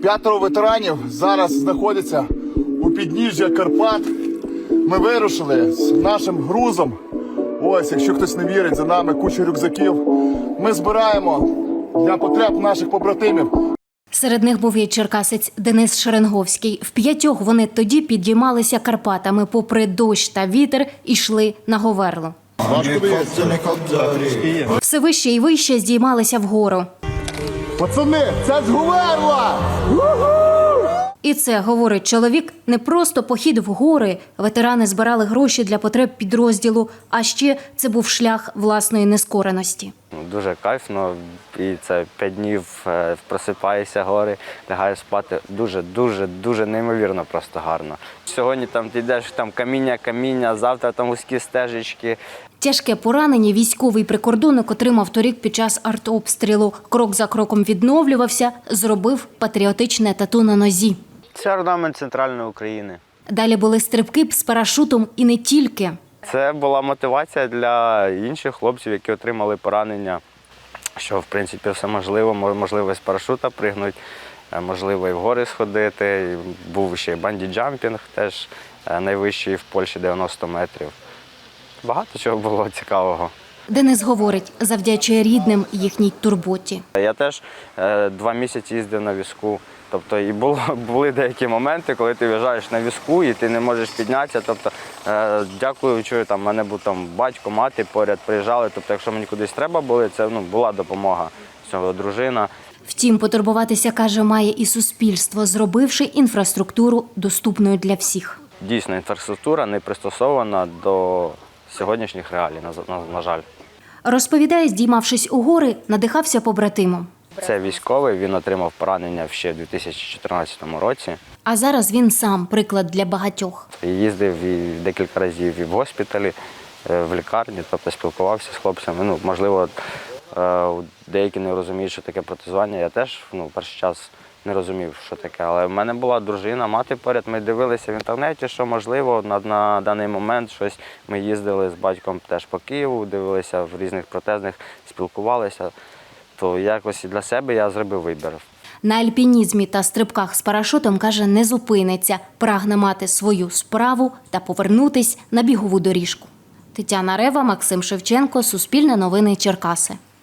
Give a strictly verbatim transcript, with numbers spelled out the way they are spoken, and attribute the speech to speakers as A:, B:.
A: П'ятеро ветеранів зараз знаходяться у підніжжя Карпат. Ми вирушили з нашим грузом. Ось, якщо хтось не вірить, за нами куча рюкзаків. Ми збираємо для потреб наших побратимів.
B: Серед них був і черкасець Денис Шеренговський. В п'ятьох вони тоді підіймалися Карпатами, попри дощ та вітер, йшли на Говерло. Все вище і вище здіймалися вгору.
A: Пацани, це ж Говерла!
B: І це, говорить чоловік, не просто похід в гори. Ветерани збирали гроші для потреб підрозділу, а ще це був шлях власної нескореності.
C: Дуже кайфно, і це п'ять днів просипаєшся гори, лягаєш спати. Дуже, дуже, дуже неймовірно просто гарно. Сьогодні там ти йдеш, там каміння, каміння, завтра там вузькі стежечки.
B: Тяжке поранення військовий прикордонник отримав торік під час артобстрілу. Крок за кроком відновлювався, зробив патріотичне тату на нозі.
C: Це орнамент центральної України.
B: Далі були стрибки з парашутом і не тільки.
C: Це була мотивація для інших хлопців, які отримали поранення, що, в принципі, все можливо. Можливо, з парашута пригнути, можливо, і в гори сходити. Був ще банді-джампінг, теж найвищий в Польщі, дев'яносто метрів. Багато чого було цікавого.
B: Денис говорить, завдячує рідним їхній турботі.
C: Я теж е, два місяці їздив на візку. Тобто і було, були деякі моменти, коли ти в'їжджаєш на візку і ти не можеш піднятися. Тобто, е, дякуючи, там, в мене був там батько, мати поряд приїжджали. Тобто, якщо мені кудись треба було, це ну, була допомога. Цього дружина.
B: Втім, потурбуватися, каже, має і суспільство, зробивши інфраструктуру доступною для всіх.
C: Дійсно, інфраструктура не пристосована до сьогоднішніх реалій, на, на, на жаль.
B: Розповідає, здіймавшись у гори, надихався побратимом.
C: Це військовий, він отримав поранення ще в дві тисячі чотирнадцятому році.
B: А зараз він сам приклад для багатьох.
C: Їздив і декілька разів і в госпіталі, в лікарні, тобто спілкувався з хлопцями. Ну, можливо, деякі не розуміють, що таке протезування. Я теж ну, перший час не розумів, що таке. Але в мене була дружина, мати поряд. Ми дивилися в інтернеті, що можливо на, на даний момент щось. Ми їздили з батьком теж по Києву, дивилися в різних протезних, спілкувалися. То якось і для себе я зробив вибір.
B: На альпінізмі та стрибках з парашутом, каже, не зупиниться. Прагне мати свою справу та повернутись на бігову доріжку. Тетяна Рева, Максим Шевченко, Суспільне новини, Черкаси.